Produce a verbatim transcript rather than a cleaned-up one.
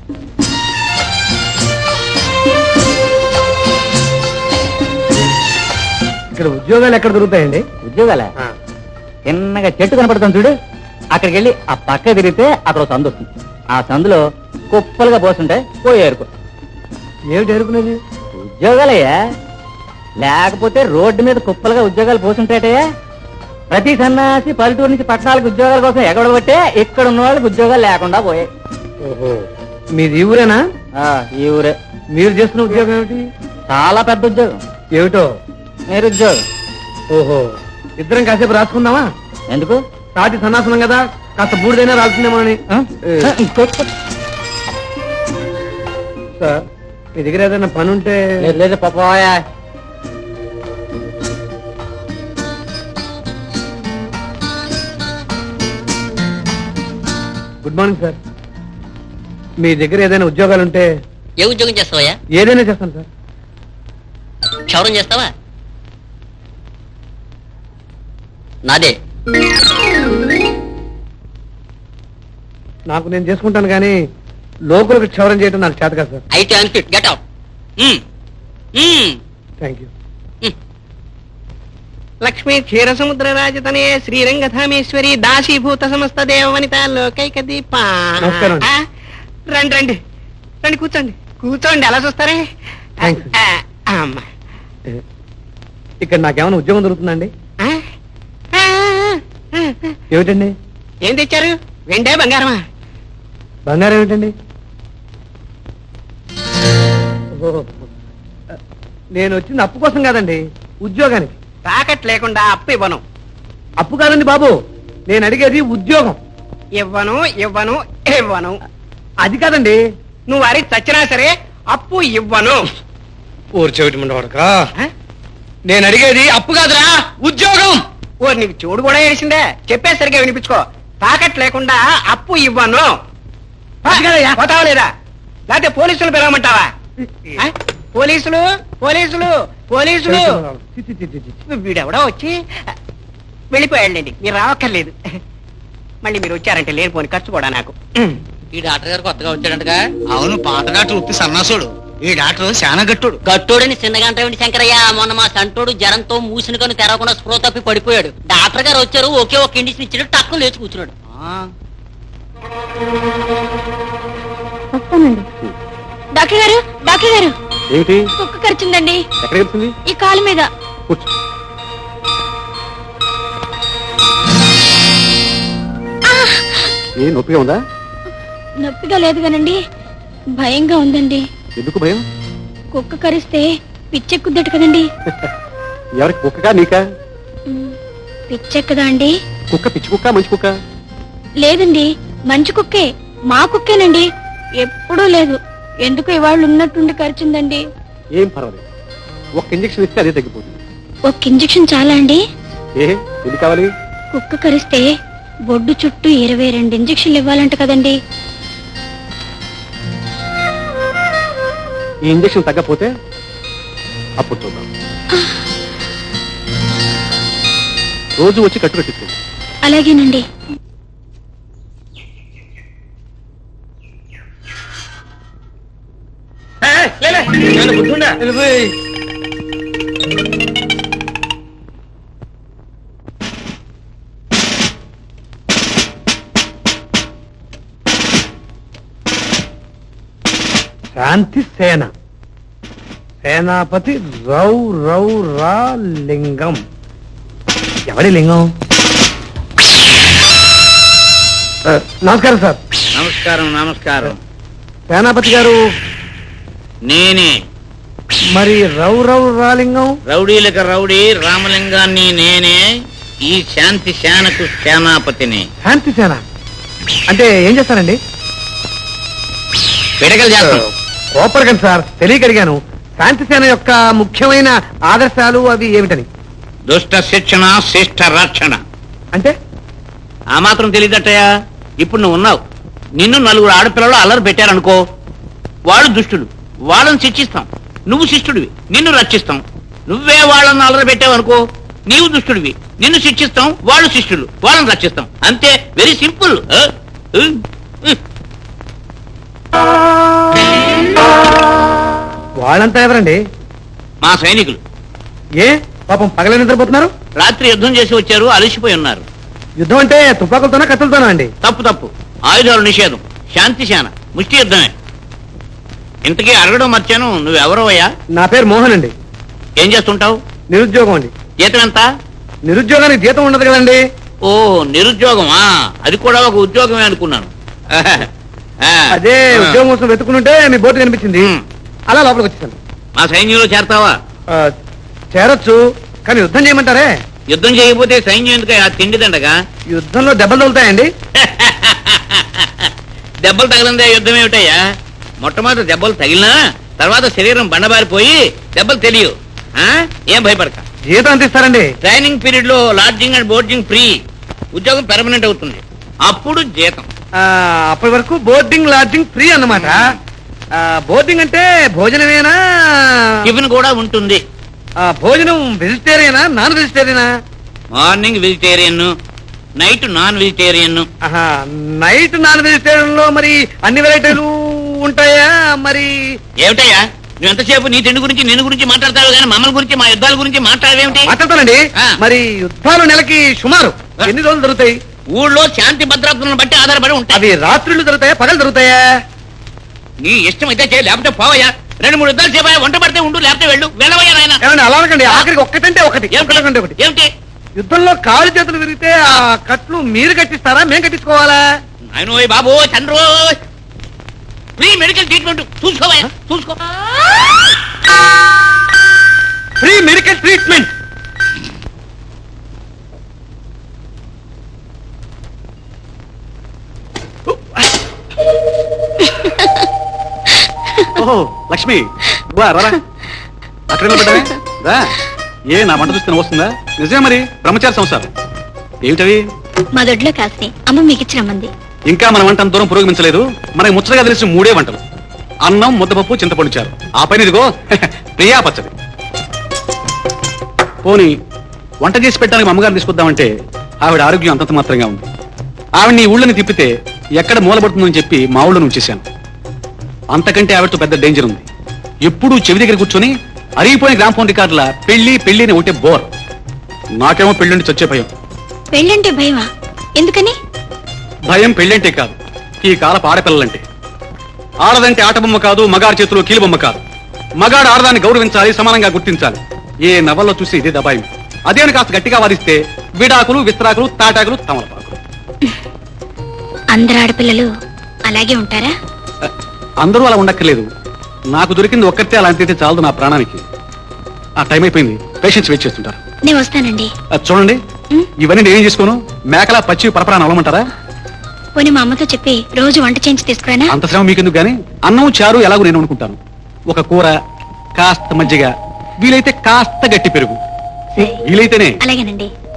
ఇక్కడ ఉద్యోగాలు ఎక్కడ దొరుకుతాయండి? ఉద్యోగాల చిన్నగా చెట్టు కనపడుతుంది చూడు, అక్కడికి వెళ్ళి ఆ పక్క తిరిగితే అక్కడ ఒక సందు వస్తుంది. ఆ సందులో కుప్పలుగా పోస్తుంటాయి, పోయి ఏరుకో. ఏమిటి ఏరుకునేది? ఉద్యోగాలయ్యా, లేకపోతే రోడ్డు మీద కుప్పలుగా ఉద్యోగాలు పోతుంటాయటయ్యా. ప్రతి సన్నాసి పల్లెటూరు నుంచి పట్టణాలకు ఉద్యోగాల కోసం ఎగబడబట్టే ఇక్కడ ఉన్న వాళ్ళకి ఉద్యోగాలు లేకుండా పోయాయి. ఓహో, మీది ఈ ఊరేనా? ఈ ఊరే. మీరు చేస్తున్న ఉద్యోగం ఏమిటి? చాలా పెద్ద ఉద్యోగం. ఏమిటో? మీరు ఉద్యోగం. ఓహో, ఇద్దరం కాసేపు రాసుకుందామా? ఎందుకు? సాటి సన్నాసనం కదా, కాస్త బూడిదైనా రాల్సిందేమో అని. సార్, మీ దగ్గర ఏదైనా పని ఉంటే? లేదు పాపయా. గుడ్ మార్నింగ్ సార్, మీ దగ్గర ఏదైనా ఉద్యోగాలు ఉంటే? ఏ ఉద్యోగం చేస్తావయ్యా? ఏదైనా చేస్తాను సార్. క్షౌరం చేస్తావా? నాదే. నాకు నేను చేసుకుంటాను కానీ లోకులకు క్షౌరం చేయడం నాకు చేత కాదు సార్. అయితే unfit, get out. Thank you. Lakshmi క్షీర సముద్ర రాజతనే శ్రీరంగధామేశ్వరి దాసీభూత సమస్త దేవవనిత లోకైక దీప. నమస్కారం. రండి రండి రండి, కూర్చోండి కూర్చోండి, ఎలా చూస్తారే. థ్యాంక్స్. అమ్మా, ఇక్కడ నాకేమైనా ఉద్యోగం దొరుకుతుందండి? ఏమిటండి? ఏం తెచ్చారు? వెండే బంగారమా? బంగారం ఏమిటండి? ఓహో, నేను వచ్చింది అప్పు కోసం కాదండి, ఉద్యోగానికి. తాకట్ లేకుండా అప్పు ఇవ్వను. అప్పు కాదండి బాబు, నేను అడిగేది ఉద్యోగం. ఇవ్వను ఇవ్వను ఇవ్వను. అది కాదండి. నువ్వు అరి చచ్చినా సరే అప్పు ఇవ్వను. ఊరు చెవిటి ముండవాడక, నేను అడిగేది అప్పు కాదురా, ఉద్యోగం. ఓ, నీకు చూడు కూడా వేసిందే, చెప్పే సరిగా వినిపించుకో. తాకట్ లేకుండా అప్పు ఇవ్వను. పోతావా లేదా? లేకపోతే పోలీసులు పిలవమంటావా? ఆ? పోలీసులు పోలీసులు పోలీసులు వీడెవడో వచ్చి వెళ్ళిపోయాడండి, మీరు రావక్కర్లేదు. మళ్ళీ మీరు వచ్చారంటే లేనిపోని ఖర్చు కూడా నాకు. ఈ డాక్టర్ గారు కొత్తగా వచ్చాడంటగా? అవును, పాత డాక్టర్ ఉత్తి సన్నాసుడు. ఈ డాక్టర్ చాలా గట్టుడు. గట్టోడని చిన్నగంట శంకరయ్య. మొన్న మా సంటోడు జ్వరంతో మూసిన కను తెరవకుండా స్ప్రో తప్పి పడిపోయాడు. డాక్టర్ గారు వచ్చారు, ఒకే ఒక ఇండిషన్ ఇచ్చాడు, టక్కున లేచి కూర్చున్నాడు. వస్తానండి. డాక్టర్ గారు డాక్టర్ గారు ఏమిటి? కుక్క కరిచిందండి. ఎక్కడ వచ్చింది? ఈ కాలు మీద. ఏ నొప్పిగా ఉందా? నొప్పిగా లేదు కానండి, భయంగా ఉందండి. ఎందుకు భయం? కుక్క కరిస్తే పిచ్చెక్కుద్దట కదండి. ఎవరికి, కుక్కగా నీకా? పిచ్చెక్కదా అండి? కుక్క పిచ్చి కుక్క మంచి కుక్క? లేదండి, మంచి కుక్కే, మా కుక్కేనండి. ఎప్పుడూ లేదు, ఎందుకు ఇవాళ ఉన్నట్టుండి కరిచిందండి. ఏం పర్వాలేదు, ఒక ఇంజక్షన్ ఇస్తే అదే తగ్గిపోతుంది. ఒక ఇంజక్షన్ చాలా అండి? ఏ ఎన్ని కావాలి? కుక్క కరిస్తే బొడ్డు చుట్టూ ఇరవై రెండు ఇంజక్షన్లు ఇవ్వాలంట కదండి. ఈ ఇంజక్షన్ తగ్గపోతే అప్పుడు చూద్దాం. రోజు వచ్చి కట్టు కట్టిస్తుంది. అలాగేనండి. శాంతి సేన, సేనాపతి రౌ రౌ రా లింగం. ఎవరి లింగం? నమస్కారం సార్. నమస్కారం నమస్కారం. సేనాపతి గారు నేనే. మరి రౌ రౌ రా లింగం? రౌడీలకు రౌడీ రామలింగాన్ని నేనే. ఈ శాంతి సేనకు సేనాపతిని. శాంతి సేన అంటే ఏం చేస్తారండి? పిడకలు చేస్తాం. కోపడకండి సార్, తెలియక అడిగాను. శాంతి సేన యొక్క ముఖ్యమైన ఆదర్శాలు అవి ఏమిటని. దుష్ట శిక్షణ, శిష్ట రక్షణ. అంటే ఆ మాత్రం తెలియదట్టయా? ఇప్పుడు నువ్వు ఉన్నావు, నిన్ను నలుగురు ఆడపిల్లలు అల్లరి పెట్టారనుకో, వాళ్ళు దుష్టులు, వాళ్ళని శిక్షిస్తాం. నువ్వు శిష్టుడివి, నిన్ను రక్షిస్తాం. నువ్వే వాళ్ళని అల్లరి పెట్టావనుకో, నీవు దుష్టుడివి, నిన్ను శిక్షిస్తాం. వాళ్ళు శిష్టులు, వాళ్ళని రక్షిస్తాం. అంతే, వెరీ సింపుల్. వాళ్ళంతా ఎవరండి? మా సైనికులు ఏ పాపం పగలే నిద్రపోతున్నారు? రాత్రి యుద్ధం చేసి వచ్చారు, అలసిపోయి ఉన్నారు. యుద్ధం అంటే తుపాకులతోనా కత్తులతోనా అండి? తప్పు తప్పు ఆయుధాలు నిషేధం, శాంతి శాన, ముష్టి యుద్ధమే. ఇంతకీ అడగడం మర్చాను, నువ్వెవరో అయ్యా? నా పేరు మోహన్ అండి. ఏం చేస్తుంటావు? నిరుద్యోగం అండి. జీతం ఎంత? నిరుద్యోగానికి జీతం ఉండదు కదండి. ఓ నిరుద్యోగమా, అది కూడా ఒక ఉద్యోగమే అనుకున్నాను. ఆ, అదే ఆ. ఉద్యోగం కోసం వెతుకుంటే మీ బోర్డు కనిపించింది, ఉమ్. అలా లోపలికి వచ్చేసాను. మా సైన్యంలో చేరతావా? ఆ, చేరొచ్చు, కానీ యుద్ధం చేయమంటారే? యుద్ధం చేయకపోతే సైన్యం ఎందుకు ఆ తిండిదండగా? యుద్ధంలో దెబ్బలు తగులుతాయండి. దెబ్బలు తగిలిందే యుద్ధం ఏమిటయ్యా? మొట్టమొదటి దెబ్బలు తగిలినా తర్వాత శరీరం బండబారిపోయి దెబ్బలు తెలియవు. ఆ? ఏం భయపడక. జీతం ఎంత ఇస్తారండి? ట్రైనింగ్ పీరియడ్ లో లాడ్జింగ్ అండ్ బోర్డింగ్ ఫ్రీ, ఉద్యోగం పెర్మనెంట్ అవుతుంది, అప్పుడు జీతం. ఆ, అప్పటి వరకు బోర్డింగ్ లాడ్జింగ్ ఫ్రీ అన్నమాట. ఆ, బోర్డింగ్ అంటే భోజనమేనా? టిఫిన్ కూడా ఉంటుంది. ఆ, భోజనం వెజిటేరియనా నాన్ వెజిటేరియనా? Morning vegetarian, night non vegetarian. ఆహా, నైట్ నాన్ వెజిటేరియన్ లో మరి అన్ని వెరైటీలు ఉంటాయా? మరి ఏమిటయ్యా నువ్వు ఎంతసేపు నీ తిండి గురించి నేను గురించి మాట్లాడతావు కానీ మమ్మల్ని గురించి మా యుద్ధాల గురించి మాట్లాడేమిటి? మాట్లాడతానండి. ఆ. మరి యుద్ధాలు నెలకి సుమారు ఎన్ని రోజులు జరుగుతాయి? ఊళ్ళో శాంతి భద్రతలను బట్టి ఆధారపడి ఉంటాయి. అవి రాత్రులు జరుగుతాయా పగలు జరుగుతాయా? నీ ఇష్టం అయితే చేయి, లేకపోతే పోవయ్యా. రెండు మూడు యుద్ధాలు చేపాయా, వంట పడితే ఉండు, లేకపోతే వెళ్ళు. వెళ్ళవయ్యా నాయన. ఏమండి అలా అనకండి, ఆఖరికి ఒక్కటంటే ఒకటి ఏమిటి? ఒకటంటే ఒకటి. ఏమిటి? యుద్ధంలో కాళ్ళు చేతులు విరిగితే ఆ కట్లు మీరు కట్టిస్తారా మేం కట్టించుకోవాలా? ఆయన బాబు చంద్రో, ఫ్రీ మెడికల్ ట్రీట్మెంట్ చూసుకోవయ్యా, చూసుకో. Free medical treatment. ఓహో లక్ష్మి, రా రా. అక్కడ నిలబడ్డావే? రా. ఏ నా వంట చూస్తే వస్తుందా? నిజమే మరి, బ్రహ్మచారి సంసారం ఏమిటవి? మా దొడ్లో కాస్త అమ్మ మీకు ఇచ్చిన మంది. ఇంకా మన వంట అంత దూరం పురోగమించలేదు. మనకి ముచ్చటగా తెలిసిన మూడే వంటలు: అన్నం, ముద్దపప్పు, చింతపండు చారు. ఆ పైన ఇదిగో ప్రియా పచ్చడి. పోనీ వంట చేసి పెట్టడానికి అమ్మగారిని తీసుకొద్దామంటే ఆవిడ ఆరోగ్యం అంతంత మాత్రంగా ఉంది. ఆవిడ నీ ఊళ్ళని తిప్పితే ఎక్కడ మూలపడుతుందని చెప్పి మా ఊళ్ళో ఉంచేశాను. అంతకంటే ఆవిడతో పెద్ద డేంజర్ ఉంది. ఎప్పుడూ చెవి దగ్గర కూర్చొని అరిగిపోయిన గ్రామ్ ఫోన్ రికార్డుల పెళ్లి పెళ్లి అని ఒకటే బోర్. నాకేమో పెళ్ళంటే చచ్చే భయం. పెళ్ళంటే భయమా? ఎందుకని? భయం పెళ్ళంటే కాదు, ఈ కాలపు ఆడపిల్లలంటే. ఆడదంటే ఆటబొమ్మ కాదు, మగాడి చేతిలో కీలుబొమ్మ కాదు. మగాడు ఆడదాన్ని గౌరవించాలి, సమానంగా గుర్తించాలి. ఏ నవల్లో చూసి ఇదే దబాయి. అదేని కాస్త గట్టిగా వాదిస్తే విడాకులు, విస్త్రాకులు, తాటాకులు, తమలపాకులు. అందరు ఆడపిల్లలు అలాగే ఉంటారా? అందరూ అలా ఉండక్కర్లేదు. నాకు దొరికింది ఒక్కరితే అలాంటి అయితే చాలదు నా ప్రాణానికి. ఆ టైం అయిపోయింది, పేషెంట్స్ వెయిట్ చేస్తుంటారు. నేను వస్తానండి. అది చూడండి, ఉం? ఇవన్నీ నేనేం చేసుకోను. మేకలా పచ్చి పరపరాన్ని అవ్వమంటారా? పోనీ మా అమ్మతో చెప్పి రోజు వంట చేయించి తీసుకురానా? అంత శ్రమ మీకెందుకు గానీ అన్నం చారు ఎలాగో నేను అనుకుంటాను. ఒక కూర, కాస్త మజ్జిగ, వీలైతే కాస్త గట్టి పెరుగు, వీలైతేనే. అలాగేనండి.